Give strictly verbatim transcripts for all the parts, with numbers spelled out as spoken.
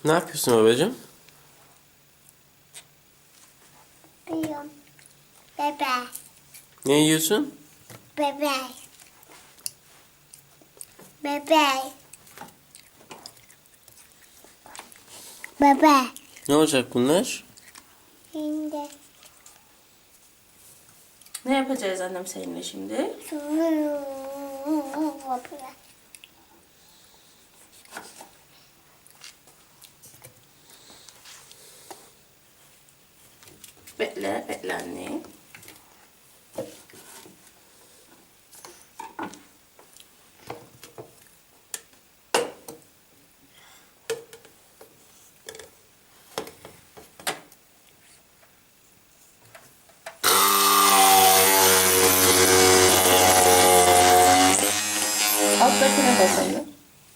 Ne yapıyorsun babacığım? Yiyorum. Bebe. Ne yiyorsun? Bebe. Bebe. Bebe. Ne olacak bunlar? Şimdi. Ne yapacağız annem seninle şimdi? Bekle, bekle anne. Alttakine basalım.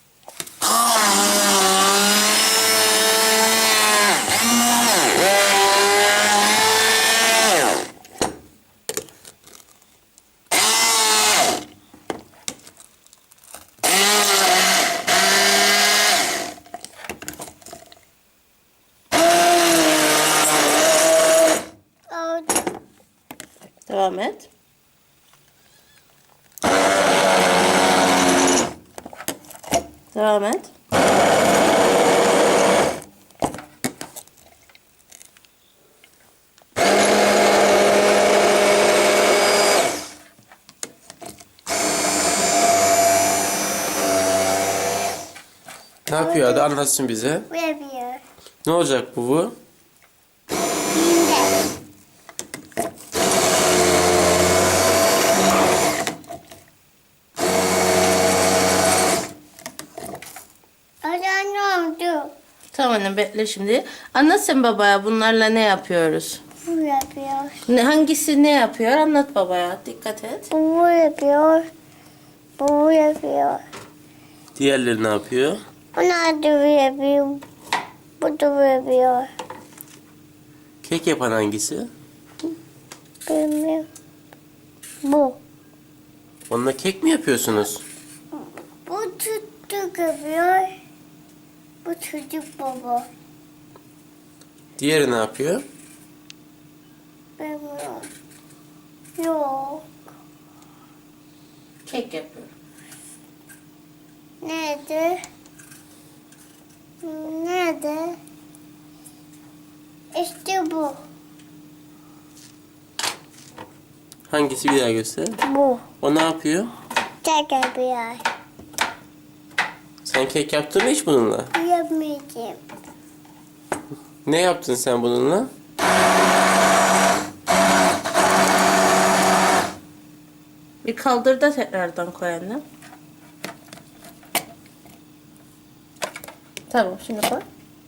Devam et. Devam et. Ne yapıyor hadi anlatsın bize. Bu yapıyor. Ne olacak bu bu? Şimdi. Hadi ne oldu? Tamam annem bekle şimdi. Anlat sen babaya bunlarla ne yapıyoruz? Bu yapıyor. Ne, hangisi ne yapıyor? Anlat babaya. Dikkat et. Bu yapıyor. Bu yapıyor. Diğerleri ne yapıyor? Bunlar da bu yapıyor. Bu da bu yapıyor. Kek yapan hangisi? Bilmiyorum. Bu. Onunla kek mi yapıyorsunuz? Bu çocuk yapıyor. Bu çocuk baba. Diğeri ne yapıyor? Bilmiyorum. Yok. Kek yapıyor. Nerede? Nerede? İşte bu. Hangisi bir daha göster. Bu. O ne yapıyor? Tek yapıyor. Sen kek yaptın mı hiç bununla? Yapmayacağım. Ne yaptın sen bununla? Bir kaldır da tekrardan koy annem. Tamam şimdi koy.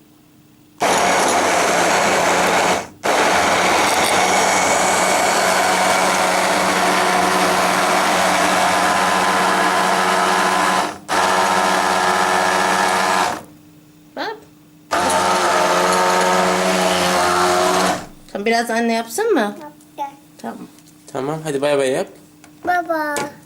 Bak. Tamam, biraz anne yapsın mı? Yapacağım. Tamam. Tamam hadi bay bay yap. Baba.